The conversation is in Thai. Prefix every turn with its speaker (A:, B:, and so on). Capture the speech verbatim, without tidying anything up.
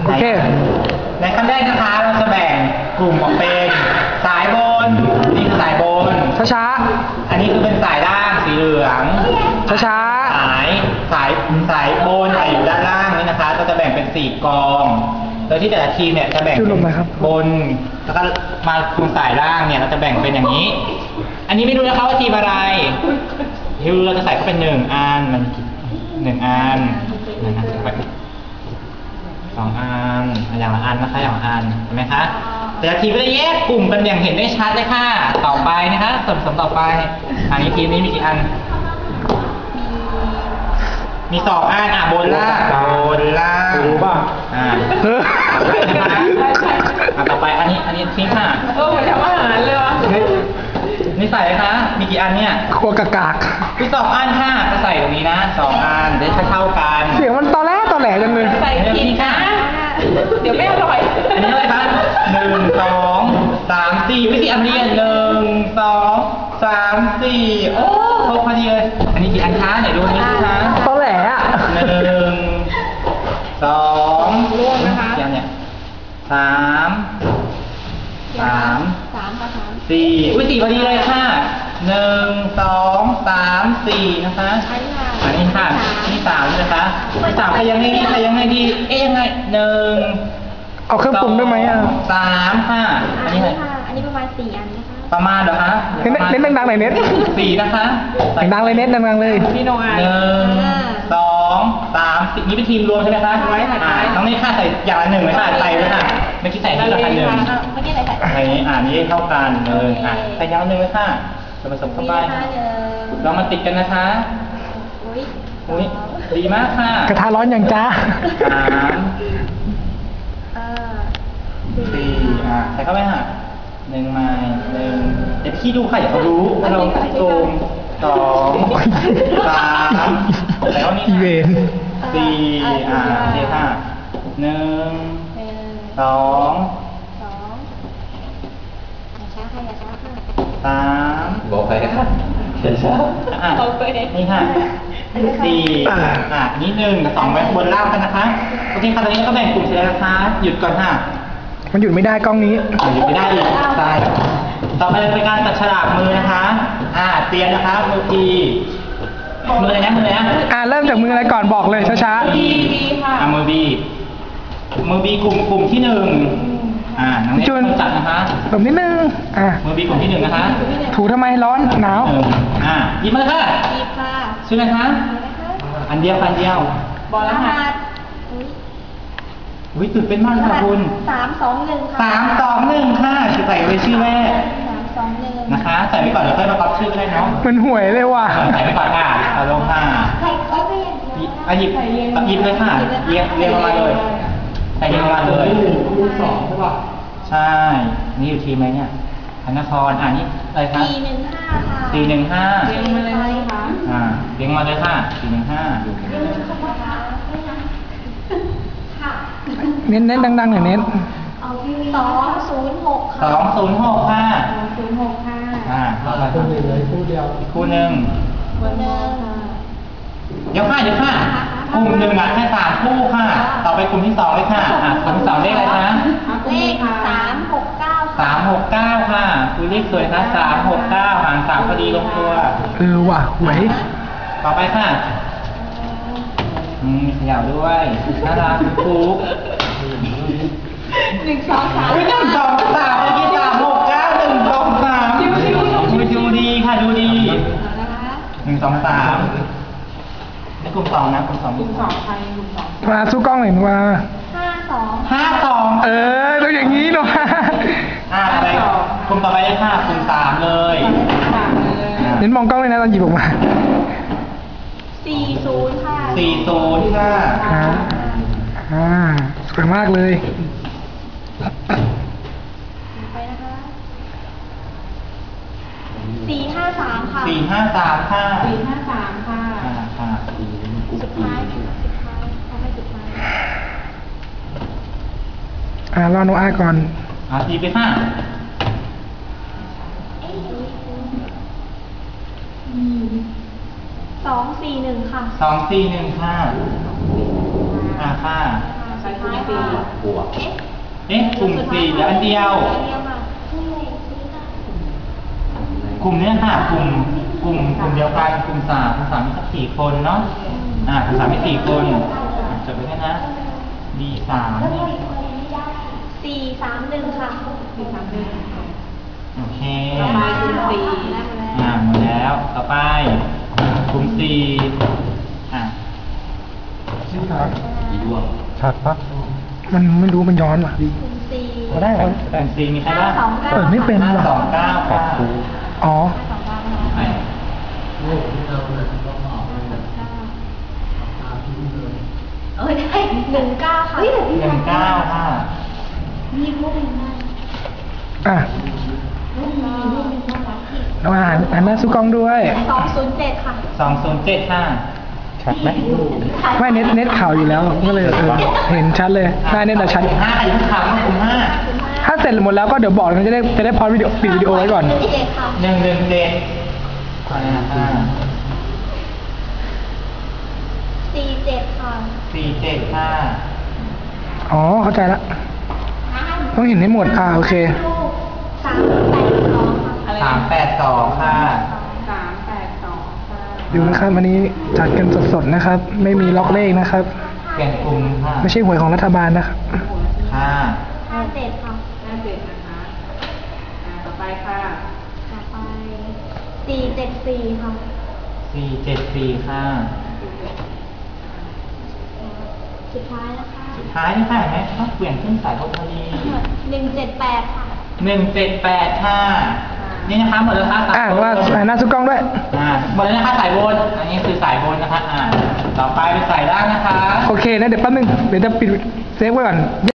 A: โอเค
B: ในขั้นแรกนะคะเราจะแบ่งกลุ่มออกเป็นสายบนนี่คือสายบน
A: ช้า
B: ๆอันนี้คือเป็นสายล่างสีเหลือง
A: ช้า
B: ๆสายสายสายบนสายอยู่ด้านล่างนี่นะคะเราจะแบ่งเป็นสี่กองโดยที่แต่ละทีมเนี่ยจะแบ่งบนแล้วก็มาคุมสายล่างเนี่ยเราจะแบ่งเป็นอย่างนี้อันนี้ไม่รู้นะคะว่าทีมอะไรที่รู้เราจะใส่เข้าเป็นหนึ่งอันมันหนึ่งอันนะครับสองอันอย่างละอันนะคะอย่างละอันเห็นไหมคะแต่ละทีมก็จะแยกกลุ่มกันอย่างเห็นได้ชัดเลยค่ะต่อไปนะคะส่วนผสมต่อไปอันนี้ทีมนี้มีกี่อันมีสองอันอ่ะบนล่างบนล่างรู้ป่ะอ่านะคะอ่ะต่อไปอันนี้อันนี้ทีมค่ะ
C: เออเหมือนทำอาหารเลยวะ
B: นี่ใส่เลยคะมีกี่อันเนี่ย
A: ครัวกากาก
B: มีสองอันค่ะจะใส่ตรงนี้นะสองอันได้เท่ากัน
A: เสียงมันตอแหลตอแหลจังเลย
C: ใส่ผิดนะเดี๋ยวไม่อร่อย
B: อันนี้อะไรคะหนึ่งสองสามสี่วิธีอันนี้หนึ่งสองสามสี่โอ้ครบพอดีเลยอันนี้กี่อันคะไหนดูนี่คะ
A: ตอแหลอ่ะ
B: หนึ่งสอง
C: ร่วงนะคะ
B: กี่อันเนี่ยสามสาม
C: สามค่ะสาม
B: สี่อุ้ยสี่พอดีเลยค่ะหนึ่งสองสามสี่นะคะอันนี้ค่ะนี่สามนะคะนี่สามใครยังไงดีใครยังไงดีเอ๊ยยังไงหนึ่ง
A: เอาเครื่องปรุงด้วยไหมอ่ะ
B: สามค่ะ
C: อันนี้ค่ะอันนี้ประมาณสี่อันนะคะ
B: ประมาณเหรอคะ
A: เน้นเน้นดังๆหน่อยเน้น
B: สี่นะคะ
A: ดังๆเลยเน้นดังๆเลย
C: พี่โนอา
B: หนึ่งสองสามสี่นี่เป็นทีมรวมใช่ไหมคะ
C: ไว้ค่ะ
B: น้องนี่ค่ะใส่อย่างละหนึ่งเลยค่ะใส่เลยค่ะเมื่อกี้ใส่ที่ละพันหนึ่ง
C: เมื่อกี้ใส่ใส่
B: อันนี้อ่านี้เท่ากันเลยอ่ะใส่อย่างละหนึ่งเลยค่ะจะผสมเข้าไปเรามาติดกันนะคะอุ้ยอุ้ยดีมากค่ะ
A: กระทะร้อนอย่างจ้า
B: สามสี่อ่ะใส่เข้าไปค่ะหนึ่งไม้หนึ่งเดี๋ยวพี่ดูค่ะอย่าเขารู้เราซูมสองสามแล้วนี่สี่อ่าเดี๋ยวค่ะหนึ่งสองสาม
D: บอกไปครับเช้าเช้า
B: อ่ะนี่ค่ะสี่อ่ะนี่หนึ่งกับสองไว้บนล่างกันนะคะโอเคค่ะตอนนี้ก็แบ่งกลุ่มเสร็จแล้วนะคะหยุดก่อนค่ะ
A: มันหยุดไม่ได้กล้องนี้
B: หยุดไม่ได้อีกใช่ต่อไปเป็นการตัดฉลากมือนะคะอ่าเตรียมนะคะมือทีมืออะไรนะมืออะไรนะ
A: อ่าเริ่มจากมืออะไรก่อนบอกเลยช้า
C: ๆบีบีค่ะ
B: อ่ามือบีมือบีกลุ่มกลุ่มที่หนึ่งอ่าน้องเนทต้องจัดนะคะ
A: กลุ่มที่หนึ่งอ่า
B: มือบีกลุ่มที่หนึ่งนะคะ
A: ถูทำไมร้อนหนาว
B: อ่าหยิบมาเลยค่ะ
C: หยิบค่ะ
B: ชื่ออะไรคะอันเดียวอันเดียว
C: บอกแล้วค่ะ
B: อุ้ยตื่นเป็นมากค่ะคุณ
C: สามสองหนึ่งค่ะ
B: สามสองหนึ่งค่ะใส่ไว้ชื่อแรก
C: สามสองหนึ่ง
B: นะคะใส่ไว้ก่อนเดี๋ยวค่อยมาก๊อปชื่อก็ได้เนาะ
A: มันห่วยเลยว่ะ
B: ใส่ไว้ก่อนค่ะเอาลงค่ะ
C: ใส่ก็ไม่อย่างเดียว
B: อ่ะหยิบหยิบเลยค่ะเรียงเรียงมาเลยใส่เรียงมาเลยคูณสองใช่ป่ะใช่นี่อยู่ทีมไหมเนี่ยพนครอ่านี่อะไรคะ
C: สี่หนึ่งห้าค่ะ
B: สี่หนึ่งห้า
C: เรียงมาเลยค่ะ
B: อ่าเรียงมาเลยค่ะสี่หนึ่งห้า
A: เน้นเน้นดังๆหน่อยเน้น
C: สองศูนย์หกค่ะ
B: สองศูนย์หกค่ะ
C: สองศูนย์หกค่ะ
B: อ่าคู่หนึ่งเลยคู่เดียวคู่หนึ่ง
C: คู่หนึ่ง
B: เดี๋ยวค่ะเดี๋ยวค่ะกลุ่มหนึ่งอ่ะแค่สามคู่ค่ะต่อไปกลุ่มที่สองเลยค่ะอ่ากลุ่มที่สองเลขอะไรคะ
C: เลขสามหกเก้า
B: สามหกเก้าค่ะคือเลขสวยนะสามหกเก้าหารสามพอดีลงตัว
A: เออว่ะหวย
B: ต่อไปค่ะอืมขยับด้วยน่ารักคุก
C: หนึ่งสองสาม
B: หนึ่งสองสามเมื่อกี้สามหกเก้าหนึ่งสองสามดูดูดีค่ะดูดีหนึ่งสองสามนี่กลุ่มสองนะกลุ่มสอง
C: กลุ่มสองใครกลุ่มสอง
A: มาสู้กล้องหน่อยมา
C: ห้าสอง
B: ห้าสอง
A: เออต้องอย่างนี้เนาะ
B: อ่าไปกลุ่มต่อไปเลยค่ะกลุ่มสามเลย
A: เน้นมองกล้องเลยนะตอนหยิบออกมา
C: สี่ศูนย์ค่ะ
B: สี่ศูนย์ค่ะ
A: อ่าสวยมากเลย
C: ไปนะคะสี่ห้าสามค่ะ
B: สี่ห้าสามค่ะ
C: สี่ห้าสามค่ะ
B: ค่ะ
C: สุดท้ายสุดท้ายเอาไปสุดท้าย
A: อ่ารอโนอาก่อน
B: อ่าทีไปค่ะ
C: สองสี่หนึ่งค่ะ
B: สองสี่หนึ่งค่ะอ่าค่ะ
C: สสุดท้ายค่ะ
D: บวก
C: เอ๊ะ
B: เอ๊ะกลุ่มสี่เหลืออันเดียว
C: อันเดียวค่ะนี่เลยนี่ค่ะ
B: กลุ่มเนี้ยค่ะกลุ่มกลุ่มกลุ่มเดียวกันกลุ่มสามกลุ่มสามมีสักสี่คนเนาะอ่ากลุ่มสามมีสี่คนอ่ะจดไว้ด้วยนะ D สามนี่
C: สี่สามหนึ่งค่ะสี่สามหนึ่ง
B: โอเค
C: ต่อไปกลุ่มสี่
B: อ่าหมดแล้วต่อไปกลุ่มสี่อ่ะ
D: อีดวง
A: ชัดปะมันไม่รู้มันย้อนว่ะ
C: กลุ่มสี่
A: มาได้เหรอ
B: กลุ่มสี่มีใครบ้าง
C: สองเก้า
A: เปิดไม่เป็น
B: ห้า
A: ว่ะ
B: สองเก้าค่ะ
A: อ๋อ
C: สองเก้าค่ะ
B: ไป
C: เออได้หนึ่งเก้าค่ะ
B: หนึ่งเก้าค่ะ
C: มีรูปหนึ่งได้
A: อ่ะ
C: รูปมีรูปหนึ่งน่ารักอีก
A: เราหันหันหน้าสู้กล้องด้วย
C: สองศูนย์เจ็ดค่ะ
B: สองศูนย์เจ็ดค่ะ
A: ชัดไหมไม่เน็ตเน็ตข่าวอยู่แล้วก็เลยเออเห็นชัดเลยหน้าเน็ตอะชัด
B: กลุ่มห้าใครทุกคำกลุ่มห้า
A: ถ้าเสร็จหมดแล้วก็เดี๋ยวบอกกันจะได้จะได้พอดวิดีโอปิดวิดีโอไว้ก่อน
C: หนึ่งเจ็ดค่ะ
B: หนึ่งหนึ่งเจ็ดอ่าห้า
C: สี่เจ็ดค่ะ
B: สี่เจ็ดห้า
A: อ๋อเข้าใจละต้องเห็นให้หมดอ่าโอเค
C: สามแปดสองค่ะ
B: สามแปดสองค่ะ
A: ดูนะครับวันนี้จัดกันสดๆนะครับ ไม่มีล็อกเลขนะครับ
B: เปลี่ยนกลุ่มค่ะ
A: ไม่ใช่หวยของรัฐบาลนะครับ
B: ห้า
C: ห้าเจ็ดค่ะ
E: ห้าเจ็ดนะคะอ่าต่อไปค่ะ
C: ต่อไปสี่เจ็ดสี่ค่ะ
B: สี่เจ็ดสี่ค่ะ
C: สุดท้ายนะคะ
B: สุดท้ายนี่ค่ะเห็นไหมต้องเปลี่ยนขึ้นสายพอดี
C: หนึ่งเจ็ดแปดค่ะ
B: หนึ่งเจ็ดแปดค่ะนี่นะคะหมดแล้วค่ะสาย
A: อ่า
B: บน
A: ว่าหันหน้าสู้กล้องด้วย
B: อ่าหมดแล้วนะคะสายบนอันนี้คือสายบนนะคะอ่าต่อไปเป็นสายล่างนะคะ
A: โอเคนะเดี๋ยวแป๊บนึงเดี๋ยวจะปิดเซฟไว้ก่อน